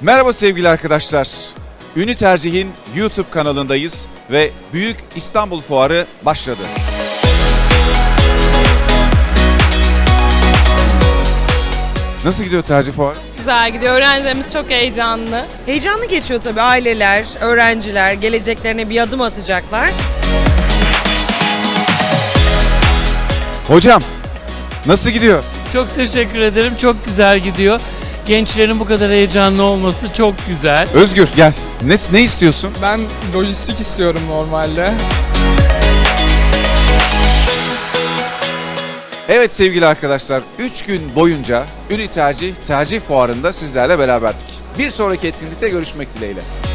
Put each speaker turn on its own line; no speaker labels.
Merhaba sevgili arkadaşlar. Ünü Tercih'in YouTube kanalındayız ve Büyük İstanbul Fuarı başladı. Nasıl gidiyor Tercih Fuarı?
Güzel gidiyor. Öğrencilerimiz çok heyecanlı.
Heyecanlı geçiyor tabii, aileler, öğrenciler geleceklerine bir adım atacaklar.
Hocam, nasıl gidiyor?
Çok teşekkür ederim. Çok güzel gidiyor. Gençlerin bu kadar heyecanlı olması çok güzel.
Özgür gel. Ne istiyorsun?
Ben lojistik istiyorum normalde.
Evet sevgili arkadaşlar, 3 gün boyunca Ünü Tercih Fuarı'nda sizlerle beraberdik. Bir sonraki etkinlikte görüşmek dileğiyle.